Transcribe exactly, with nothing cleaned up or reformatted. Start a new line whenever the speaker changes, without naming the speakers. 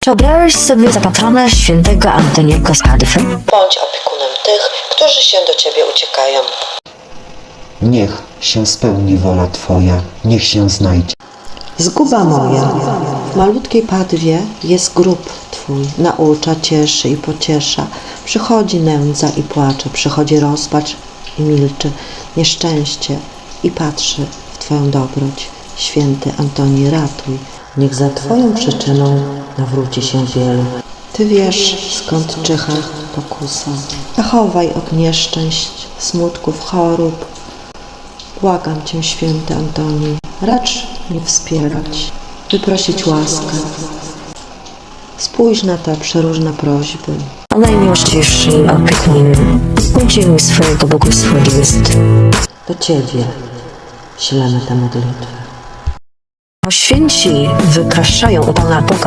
Czy obrałeś sobie za patrona świętego Antoniego z Padwy?
Bądź opiekunem tych, którzy się do Ciebie uciekają.
Niech się spełni wola Twoja, niech się znajdzie.
Zguba moja, w malutkiej Padwie jest grób Twój, naucza, cieszy i pociesza. Przychodzi nędza i płacze, przychodzi rozpacz i milczy, nieszczęście i patrzy w Twoją dobroć. Święty Antoni, ratuj, niech za Twoją przyczyną nawróci się wielu. Ty wiesz, skąd czyha pokusa. Zachowaj od nieszczęść, smutków, chorób. Błagam Cię, święty Antoni, racz mnie wspierać, wyprosić łaskę. Spójrz na te przeróżne prośby.
O najmiłościwszy opiekunie, udziel mi swojego błogosławieństwa.
Do Ciebie ślemy te modlitwy.
Bo święci wypraszają u Pana Boga